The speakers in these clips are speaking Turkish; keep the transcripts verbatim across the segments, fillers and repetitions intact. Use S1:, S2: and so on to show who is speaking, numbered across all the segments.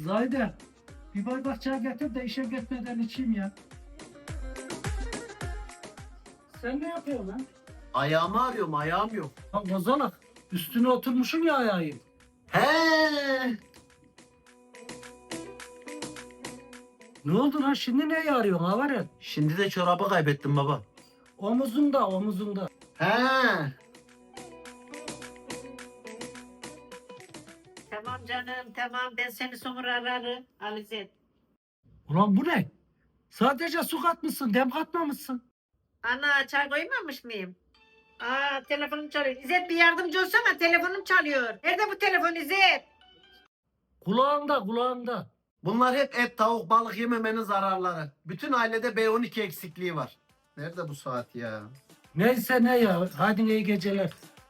S1: Zahide, bir bardak çay getir de işe gitmeden içeyim ya. Sen ne yapıyorsun lan?
S2: Ayağımı arıyorum, ayağım yok.
S1: Bak bozalak, üstüne oturmuşum ya ayağı.
S2: He.
S1: Ne oldu lan, şimdi neye arıyorsun Havaret?
S2: Şimdi de çorabı kaybettim baba.
S1: Omuzunda, omuzunda.
S2: He.
S3: Tamam canım tamam ben seni sonra ararım Alizet.
S1: Ulan bu ne? Sadece su katmışsın, dem katmamışsın.
S3: Ana çay koymamış mıyım? Aa telefonum çalıyor. İzzet bir yardımcı olsana telefonum çalıyor. Nerede bu telefon İzzet?
S1: Kulağında, kulağında.
S2: Bunlar hep et, tavuk, balık yememenin zararları. Bütün ailede B on iki eksikliği var. Nerede bu saat ya?
S1: Neyse ne ya, hadi iyi geceler.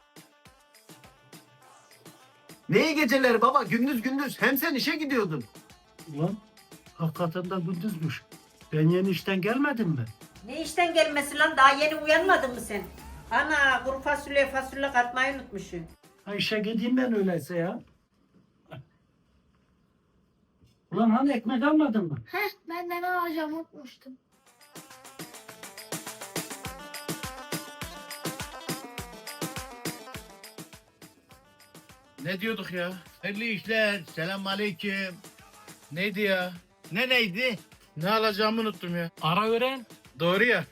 S2: Ne iyi geceleri baba, gündüz gündüz. Hem sen işe gidiyordun.
S1: Ulan hakikaten de gündüzmüş. Ben yeni işten gelmedim mi?
S3: Ne işten gelmesi lan daha yeni uyanmadın mı sen? Ana kuru fasulye fasulye katmayı unutmuşsun.
S1: Ha işe gideyim ben öyleyse ya. Ulan hani ekmek almadın mı?
S4: Heh, ben de ne alacağımı unutmuştum.
S5: Ne diyorduk ya? Hayırlı işler. Selam aleyküm. Neydi ya? Ne neydi? Ne alacağımı unuttum ya.
S1: Ara öğren.
S5: Doğru ya.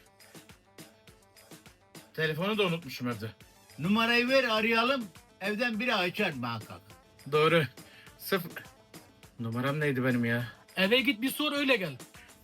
S5: Telefonu da unutmuşum evde.
S6: Numarayı ver arayalım. Evden biri açar muhakkak.
S5: Doğru. Sıfır. Numaram neydi benim ya?
S1: Eve git bir sor öyle gel.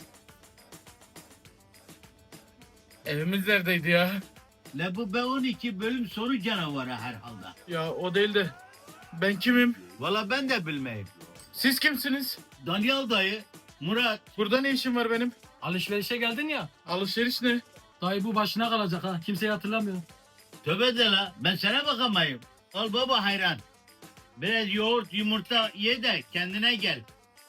S5: Evimiz neredeydi ya?
S6: La bu B on iki bölüm soru canavarı herhalde.
S5: Ya o değil de. Ben kimim?
S6: Valla ben de bilmeyim.
S5: Siz kimsiniz?
S6: Daniel dayı, Murat.
S5: Burada ne işim var benim?
S1: Alışverişe geldin ya.
S5: Alışveriş ne?
S1: Dayı bu başına kalacak ha. Kimseyi hatırlamıyor.
S6: Tövbe de la ben sana bakamayım. Al baba hayran. Biraz yoğurt yumurta ye de kendine gel.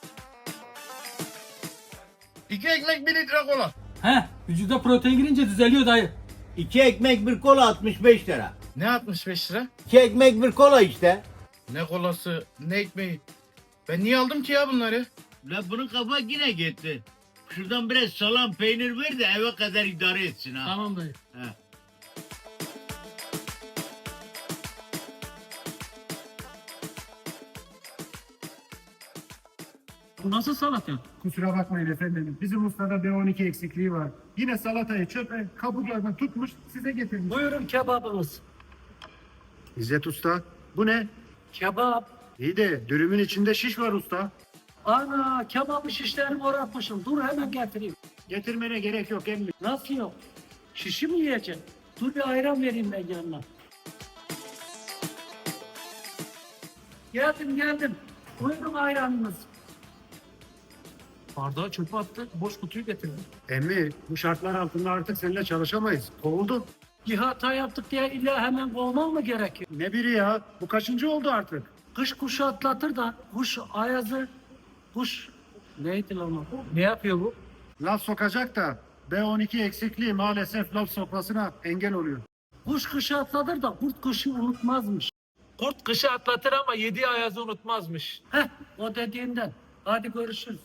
S5: İki ekmek bir litre kola.
S1: He, vücuda protein girince düzeliyor dayı.
S6: İki ekmek bir kola altmış beş lira.
S5: Ne altmış beş lira?
S6: İki ekmek bir kola işte.
S5: Ne kolası, ne ekmeği. Ben niye aldım ki ya bunları?
S6: La bunun kafa yine gitti. Şuradan biraz salam peynir ver de eve kadar idare etsin ha.
S1: Tamam dayı.
S6: He.
S1: Bu nasıl salata?
S7: Kusura bakmayın efendim. Bizim ustada B on iki eksikliği var. Yine salatayı çöpe kabuklardan tutmuş size getirmiş.
S1: Buyurun kebabımız.
S7: İzzet Usta, bu ne?
S1: Kebap.
S7: İyi de dürümün içinde şiş var usta.
S1: Ana kebabı şişlerini oratmışım. Dur hemen getireyim.
S7: Getirmene gerek yok emmi.
S1: Nasıl yok? Şişi mi yiyeceksin? Dur bir ayran vereyim ben yanına. Geldim geldim. Buyurun ayranınız. Bardağı çöpe attı. Boş kutuyu getirdim.
S7: Emmi, bu şartlar altında artık seninle çalışamayız. Kovuldun.
S1: Bir hata yaptık diye illa hemen kovman mı gerekiyor?
S7: Ne biri ya? Bu kaçıncı oldu artık?
S1: Kış kuşu atlatır da kuş ayazı, kuş neydi lan o? Ne yapıyor bu?
S7: Laf sokacak da B on iki eksikliği maalesef laf sokmasına engel oluyor.
S1: Kuş kışı atlatır da kurt kışı unutmazmış. Kurt kışı atlatır ama yediği ayazı unutmazmış. Heh, o dediğinden. Hadi görüşürüz.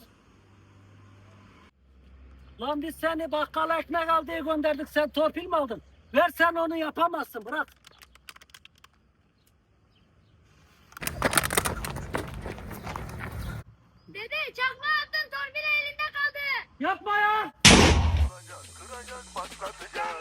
S1: Lan biz seni bakkala ekmek al diye gönderdik. Sen torpil mi aldın? Ver sen onu yapamazsın. Bırak.
S4: Dede çakma attın torpil elinde kaldı.
S1: Yapma ya.
S8: Kıracak, kıracak, patlatacak.